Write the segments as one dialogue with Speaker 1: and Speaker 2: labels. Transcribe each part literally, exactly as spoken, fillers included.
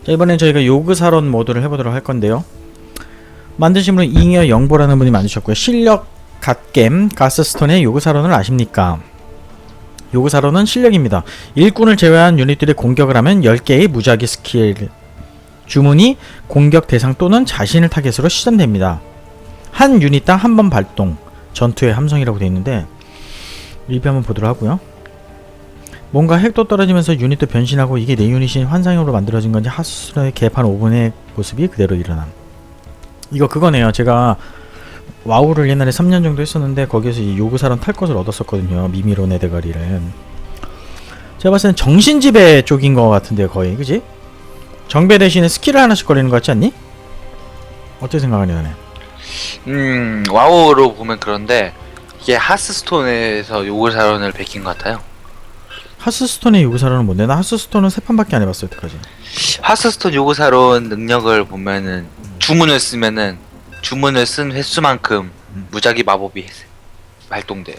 Speaker 1: 자, 이번엔 저희가 요그사론 모드를 해보도록 할 건데요. 만드신 분은 잉여 영보라는 분이 만드셨고요. 실력 갓겜 가스스톤의 요그사론을 아십니까? 요그사론은 실력입니다. 일꾼을 제외한 유닛들이 공격을 하면 열 개의 무작위 스킬 주문이 공격 대상 또는 자신을 타겟으로 시전됩니다. 한 유닛당 한 번 발동, 전투의 함성이라고 되어 있는데 리뷰 한번 보도록 하고요. 뭔가 핵도 떨어지면서 유닛도 변신하고 이게 내 유닛이 환상형으로 만들어진 건지 하수스의 개판 오 분의 모습이 그대로 일어남. 이거 그거네요. 제가 와우를 옛날에 삼 년 정도 했었는데 거기에서 이 요구사론 탈 것을 얻었었거든요. 미미론의 대가리를. 제가 봤을 땐 정신지배 쪽인 것 같은데요. 거의 그지? 정배 대신에 스킬을 하나씩 걸리는 것 같지 않니? 어떻게 생각하니 너네?
Speaker 2: 음 와우로 보면 그런데 이게 하스스톤에서 요구사론을 베낀 것 같아요.
Speaker 1: 하스스톤의 요구사론은 뭔데? 나 하스스톤은 세 판밖에 안 해봤어 여태까지.
Speaker 2: 하스스톤 요구사론 능력을 보면은 주문을 쓰면은 주문을 쓴 횟수만큼 무작위 마법이 발동돼요.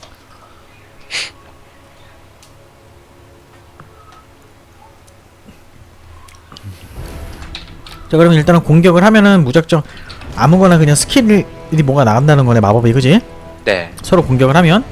Speaker 1: 자, 그러면 일단은 공격을 하면은 무작정 아무거나 그냥 스킬이 뭐가 나간다는 거네. 마법이 그지?
Speaker 2: 네.
Speaker 1: 서로 공격을 하면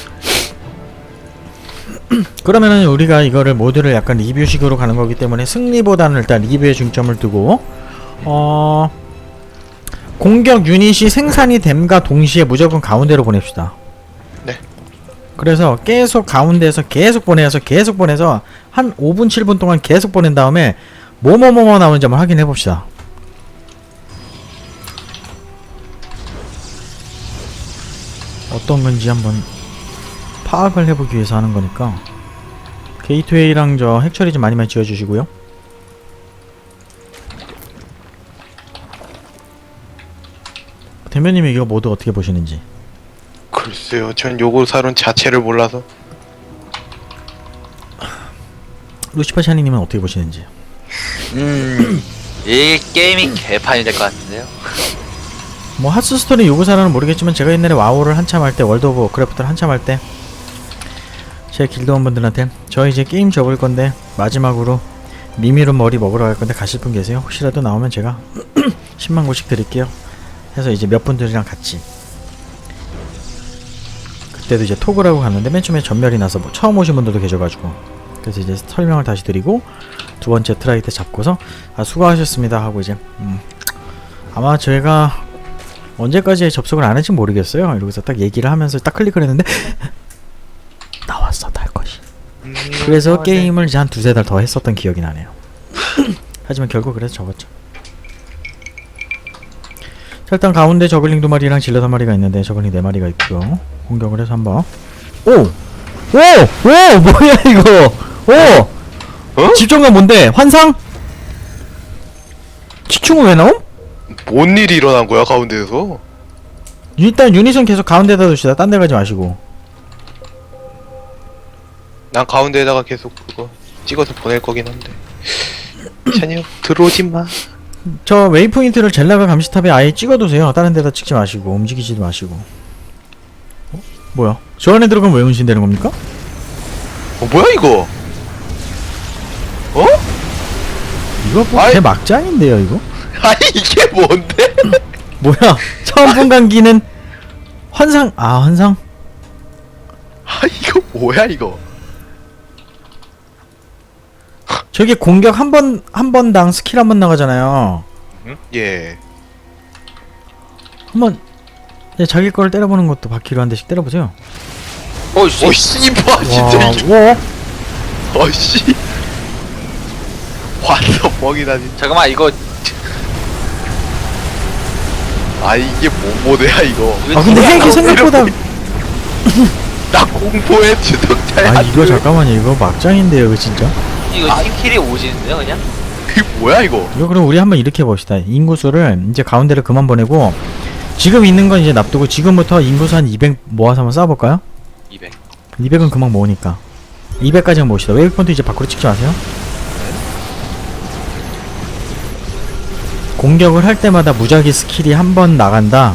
Speaker 1: 그러면은 우리가 이거를 모드를 약간 리뷰식으로 가는 거기 때문에 승리보다는 일단 리뷰에 중점을 두고 어 공격 유닛이 생산이 됨과 동시에 무조건 가운데로 보냅시다.
Speaker 3: 네.
Speaker 1: 그래서 계속 가운데에서 계속 보내서 계속 보내서 한 오 분 칠 분 동안 계속 보낸 다음에 뭐뭐뭐뭐 나오는지 한번 확인해 봅시다. 어떤 건지 한번 파악을 해보기 위해서 하는 거니까 게이트웨이랑 저 핵처리 좀 많이 많이 지어주시고요. 대면님이 이거 모드 어떻게 보시는지.
Speaker 3: 글쎄요, 전 요구사론 자체를 몰라서.
Speaker 1: 루시파 샤니님은 어떻게 보시는지.
Speaker 2: 음, 이 게임이 개판이 될 것 같은데요.
Speaker 1: 뭐 하스스톤의 요구사라는 모르겠지만 제가 옛날에 와우를 한참 할 때 월드 오브 워크래프트를 한참 할 때 제 길드원분들한테 저 이제 게임 접을 건데 마지막으로 미미론 머리 먹으러 갈 건데 가실 분 계세요? 혹시라도 나오면 제가 십만 고씩 드릴게요 해서 이제 몇 분들이랑 같이 그때도 이제 톡을 하고 갔는데 맨 처음에 전멸이 나서 뭐 처음 오신 분들도 계셔가지고 그래서 이제 설명을 다시 드리고 두 번째 트라이 때 잡고서 아 수고하셨습니다 하고 이제 음 아마 제가 언제까지 접속을 안 할지 모르겠어요. 이러고서 딱 얘기를 하면서 딱 클릭을 했는데 나왔어 탈 것이. 그래서 게임을 이제 한 두세 달 더 했었던 기억이 나네요. 하지만 결국 그래서 접었죠. 자, 일단 가운데 저글링 두 마리랑 질럿 한 마리가 있는데 저글링 네 마리가 있고요. 공격을 해서 한번 오! 오! 오! 뭐야 이거! 오!
Speaker 3: 어?
Speaker 1: 집중감 뭔데? 환상? 치충은 왜 나옴?
Speaker 3: 뭔 일이 일어난 거야 가운데에서?
Speaker 1: 일단 유닛은 계속 가운데다 두시다. 딴 데 가지 마시고.
Speaker 3: 난 가운데에다가 계속 그거 찍어서 보낼 거긴 한데. 찬이 형 들어오지 마.
Speaker 1: 저 웨이포인트를 젤라가 감시탑에 아예 찍어두세요. 다른 데다 찍지 마시고 움직이지도 마시고. 어? 뭐야? 저 안에 들어가면 왜 운신되는 겁니까?
Speaker 3: 어 뭐야 이거? 어?
Speaker 1: 이거 뭐
Speaker 3: 아이.
Speaker 1: 제 막장인데요 이거?
Speaker 3: 아니 이게 뭔데?
Speaker 1: 뭐야? 처음 본 강기는 환상. 아 환상?
Speaker 3: 아 이거 뭐야 이거?
Speaker 1: 저게 공격 한 번 한 번당 스킬 한 번 나가잖아요.
Speaker 3: 응? 예.
Speaker 1: 한번 예, 자기 거를 때려보는 것도 바퀴로 한 대씩 때려보세요.
Speaker 2: 어이씨.
Speaker 3: 어 씨발 진짜
Speaker 1: 와,
Speaker 3: 이게.
Speaker 1: 와.
Speaker 3: 어씨. 완전 뻥이다 진짜.
Speaker 2: 잠깐만 이거
Speaker 3: 아 이게 뭔 모드야 이거?
Speaker 1: 아 근데 핵이 생각보다
Speaker 3: 나 공포의 주동자야.
Speaker 1: 아 이거 잠깐만요 이거 막장인데요 이거 진짜.
Speaker 2: 이거 팀킬이 오지는데요 그냥?
Speaker 3: 이게 뭐야 이거?
Speaker 1: 이거 그럼 우리 한번 이렇게 해봅시다. 인구수를 이제 가운데를 그만 보내고 지금 있는 건 이제 납두고 지금부터 인구수 한 이백 모아서 한번 쌓아볼까요?
Speaker 2: 이백.
Speaker 1: 이백은 금방 모으니까 이백까지는 모읍시다. 웨이브폰트 이제 밖으로 찍지 마세요. 공격을 할 때마다 무작위 스킬이 한 번 나간다.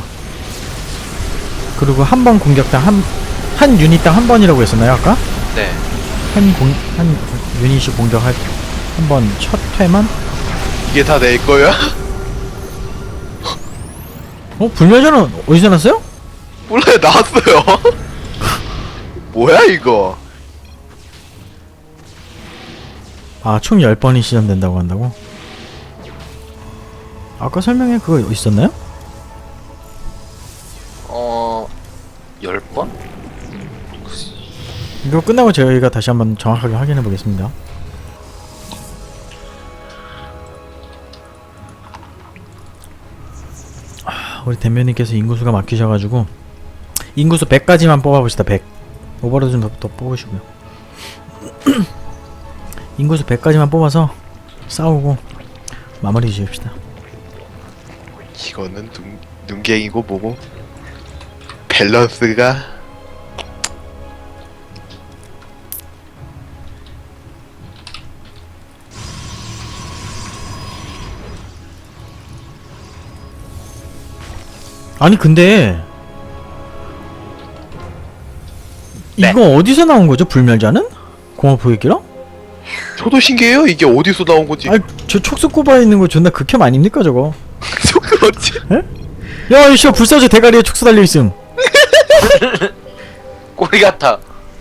Speaker 1: 그리고 한 번 공격당 한, 한 유닛당 한 번이라고 했었나요 아까?
Speaker 2: 네.
Speaker 1: 한 공, 한 유닛이 공격할 한 번 첫 회만
Speaker 3: 이게 다 내 거야?
Speaker 1: 어? 불멸자는 어디서 났어요?
Speaker 3: 몰라요, 나왔어요. 뭐야 이거?
Speaker 1: 아, 총 열 번이 시전된다고 한다고? 아까 설명에 그거 있었나요?
Speaker 2: 어... 열 번?
Speaker 1: 이거 끝나고 저희가 다시 한번 정확하게 확인해 보겠습니다. 아, 우리 대면님께서 인구수가 막히셔가지고 인구수 백까지만 뽑아봅시다. 백. 오버로드 좀 더 뽑으시고요. 인구수 백까지만 뽑아서 싸우고 마무리 지읍시다.
Speaker 3: 이거는 눈, 눈갱이고 뭐고 밸런스가
Speaker 1: 아니 근데
Speaker 2: 네.
Speaker 1: 이거 어디서 나온 거죠? 불멸자는? 공업 포획기랑?
Speaker 3: 저도 신기해요. 이게 어디서 나온 거지?
Speaker 1: 아니 저 촉수 꼽아 있는 거 존나 극혐 아닙니까 저거?
Speaker 3: 그렇지.
Speaker 1: 야 이씨 불사조 대가리에 촉수 달려 있음.
Speaker 2: 꼬리 같아.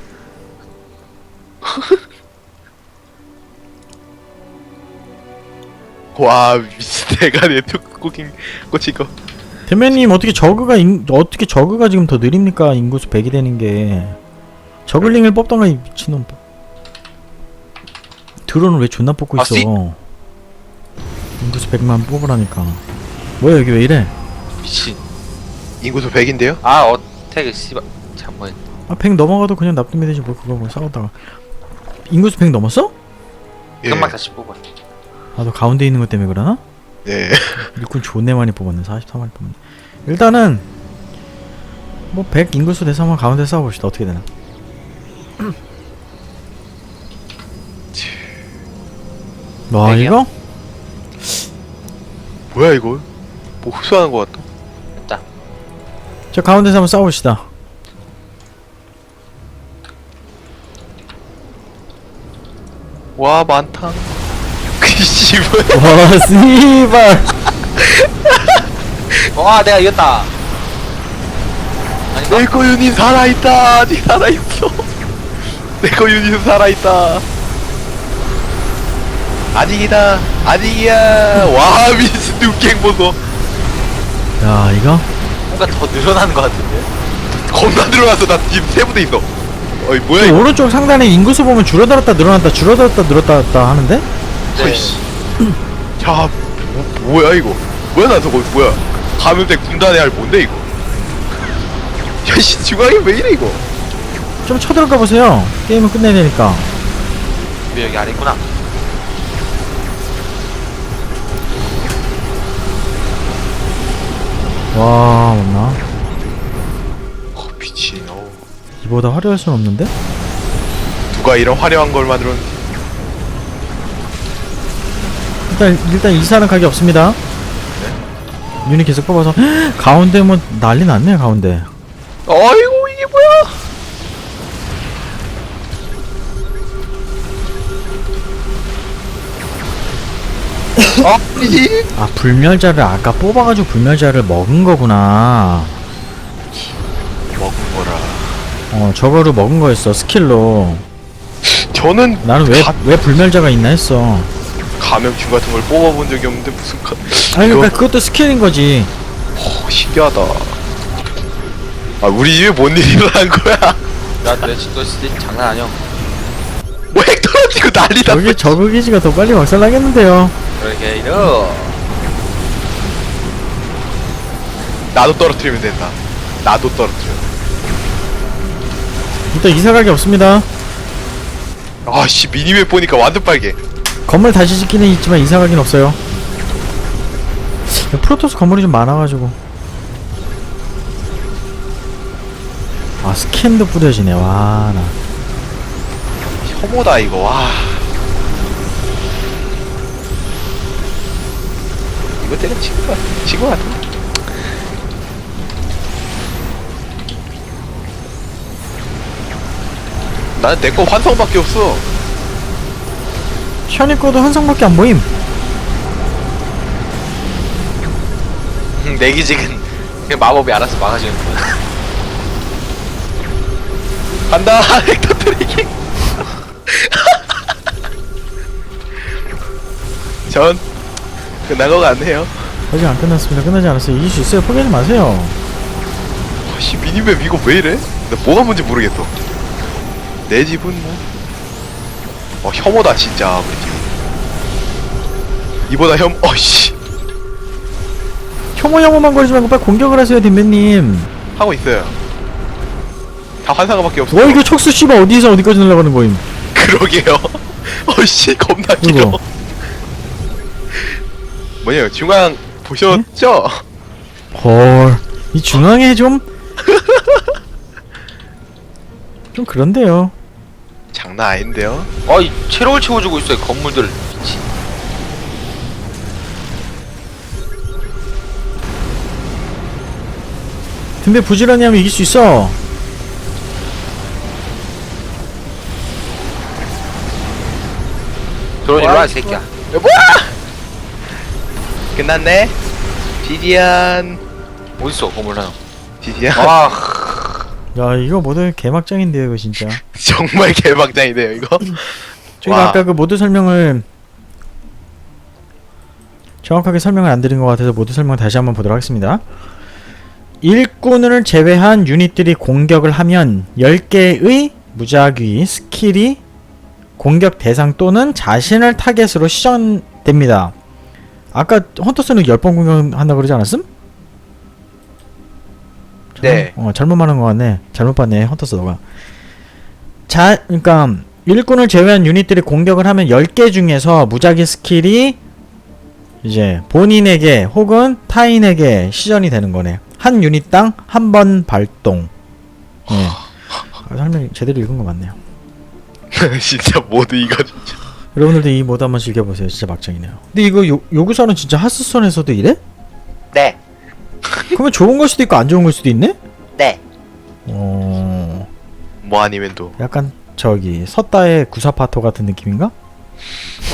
Speaker 3: 와 미친 대가리에 툭 꽂힌 꽂힌 거.
Speaker 1: 대면님 어떻게 저그가 인, 어떻게 저그가 지금 더 느립니까? 인구수 백이 되는 게 저글링을 뽑던가 이 미친놈. 드론을 왜 존나 뽑고 있어?
Speaker 2: 아씨.
Speaker 1: 인구수 백만 뽑으라니까. 뭐야 여기 왜 이래?
Speaker 2: 미친.
Speaker 3: 인구수 백인데요?
Speaker 2: 아 어택 씨발 잠깐만.
Speaker 1: 아 백 넘어가도 그냥 납득이 되지 뭐 그거 뭐 싸우다가. 인구수 백 넘었어?
Speaker 3: 예.
Speaker 2: 금방 다시 뽑아.
Speaker 1: 아 너 가운데 있는 것 때문에 그러나?
Speaker 3: 네.
Speaker 1: 일꾼 존내 많이 뽑았네. 사십사 마리 뽑았네. 일단은 뭐 백 인구수 돼서 한번 가운데 싸워봅시다. 어떻게 되나. 와
Speaker 2: 백이요?
Speaker 1: 이거?
Speaker 3: 뭐야 이거? 뭐 흡수하는 거 같다.
Speaker 2: 됐다.
Speaker 1: 저 가운데서 한번 싸워봅시다.
Speaker 3: 와 많다. 그 씨발.
Speaker 1: 와 씨발.
Speaker 2: 와 내가 이겼다. 아닌가?
Speaker 3: 내거 유닛 살아있다. 아직 살아있어. 내거 유닛 살아있다. 아직이다. 아직이야. 와 미친 눈갱 보소.
Speaker 1: 야 이거?
Speaker 2: 뭔가 더 늘어나는 것 같은데.
Speaker 3: 겁나 들어왔어. 나 지금 세 부대 있어. 어이 뭐야
Speaker 1: 저
Speaker 3: 이거?
Speaker 1: 오른쪽 상단에 인구수 보면 줄어들었다 늘어났다 줄어들었다 늘었다 하는데?
Speaker 2: 네.
Speaker 3: 어이씨. 야 뭐, 뭐야 이거? 뭐야 나 저거 뭐야? 감염된 군단의 알 뭔데 이거? 야씨 중앙이 왜 이래 이거?
Speaker 1: 좀 쳐들어가 보세요. 게임을 끝내야 되니까.
Speaker 2: 왜 여기 아래 있구나.
Speaker 1: 와 없나?
Speaker 3: 어 미친. 어.
Speaker 1: 이보다 화려할 순 없는데?
Speaker 3: 누가 이런 화려한 걸 만들었는지.
Speaker 1: 일단 일단 이사는 가게 없습니다. 유닛 계속 뽑아서 가운데 뭐 난리 났네 가운데.
Speaker 3: 어이구 이게 뭐야? 어, 이
Speaker 1: 아 불멸자를 아까 뽑아가지고 불멸자를 먹은 거구나.
Speaker 3: 먹은 거라.
Speaker 1: 어 저거를 먹은 거였어 스킬로.
Speaker 3: 저는
Speaker 1: 나는 왜
Speaker 3: 가,
Speaker 1: 왜 불멸자가 있나 했어.
Speaker 3: 감염충 같은 걸 뽑아본 적이 없는데 무슨 가,
Speaker 1: 아니
Speaker 3: 이거-
Speaker 1: 그러니까 그것도 스킬인 거지.
Speaker 3: 어, 신기하다. 아 우리 집에 뭔 일이 일어난 거야?
Speaker 2: 나내 진짜 진짜 장난 아니야.
Speaker 3: 뭐 핵 떨어지고 난리 났어.
Speaker 1: 여기 저그 기지가 더 빨리 박살나겠는데요.
Speaker 2: 그러게 이러.
Speaker 3: 나도 떨어뜨리면 된다. 나도 떨어뜨려.
Speaker 1: 일단 이사 가게 없습니다.
Speaker 3: 아씨 미니맵 보니까 완전 빨개.
Speaker 1: 건물 다시 짓기는 있지만 이사 가긴 없어요. 프로토스 건물이 좀 많아가지고. 아 스캔도 뿌려지네. 와 나.
Speaker 3: 혐오다 이거. 와. 이거 때려 친구 같아. 친구 같아. 나는 내 거 환성밖에 없어.
Speaker 1: 션이 거도 한성밖에 안 보임.
Speaker 2: 내기직은 그냥 마법이 알아서 막아주는 거야.
Speaker 3: 간다 헥터 트래킹. 전 끝난 거 같네요.
Speaker 1: 아직 안 끝났습니다. 끝나지 않았어요. 이길 수 있어요. 포기하지 마세요.
Speaker 3: 씨 미니맵 이거 왜 이래? 나 뭐가 뭔지 모르겠어. 내 집은 뭐. 어 혐오다 진짜 우리 집. 이보다 혐. 어씨
Speaker 1: 혐오혐오만 거리지 말고 빨리 공격을 하세요, 딘배님.
Speaker 3: 하고 있어요. 다 환상어밖에 없어.
Speaker 1: 와, 이거 촉수 씨발 어디서 어디까지 날아가는 거임?
Speaker 3: 그러게요. 어씨 겁나 길어.
Speaker 1: 이거.
Speaker 3: 뭐냐 중앙 보셨죠?
Speaker 1: 헐, 이 중앙에 좀 좀 그런데요.
Speaker 3: 장난 아닌데요?
Speaker 2: 아이 체력을 채워주고 있어요 건물들. 미친.
Speaker 1: 딘배 부지런히 하면 이길 수 있어.
Speaker 2: 그러니 일로와 이 새끼야.
Speaker 3: 야, 뭐야? 끝났네. 디디안.
Speaker 2: 어딨어 건물 하나.
Speaker 3: 디디안.
Speaker 2: 아
Speaker 1: 야, 이거 모두 개막장인데요, 이거 진짜.
Speaker 3: 정말 개방장이네요 이거.
Speaker 1: 저희가
Speaker 3: 와.
Speaker 1: 아까 그 모드 설명을 정확하게 설명을 안 드린 것 같아서 모드 설명 다시 한번 보도록 하겠습니다. 일꾼을 제외한 유닛들이 공격을 하면 열 개의 무작위 스킬이 공격 대상 또는 자신을 타겟으로 시전됩니다. 아까 헌터스는 십 번 공격한다 그러지 않았음?
Speaker 3: 네.
Speaker 1: 어, 잘못 말한 것 같네. 잘못 봤네, 헌터스 너가. 자, 그러니까 일꾼을 제외한 유닛들이 공격을 하면 열 개 중에서 무작위 스킬이 이제 본인에게 혹은 타인에게 시전이 되는 거네. 한 유닛당 한 번 발동. 네. 아, 설명 제대로 읽은 거 맞네요.
Speaker 3: 진짜 모두 이거 진짜.
Speaker 1: 여러분들도 이 모드 한번 즐겨보세요. 진짜 막장이네요. 근데 이거 요, 요구사는 진짜 하스스톤에서도 이래?
Speaker 2: 네.
Speaker 1: 그러면 좋은 걸 수도 있고 안 좋은 걸 수도 있네?
Speaker 2: 네.
Speaker 1: 어...
Speaker 3: 뭐 아니면 또.
Speaker 1: 약간 저기 섰다의 구사파토 같은 느낌인가?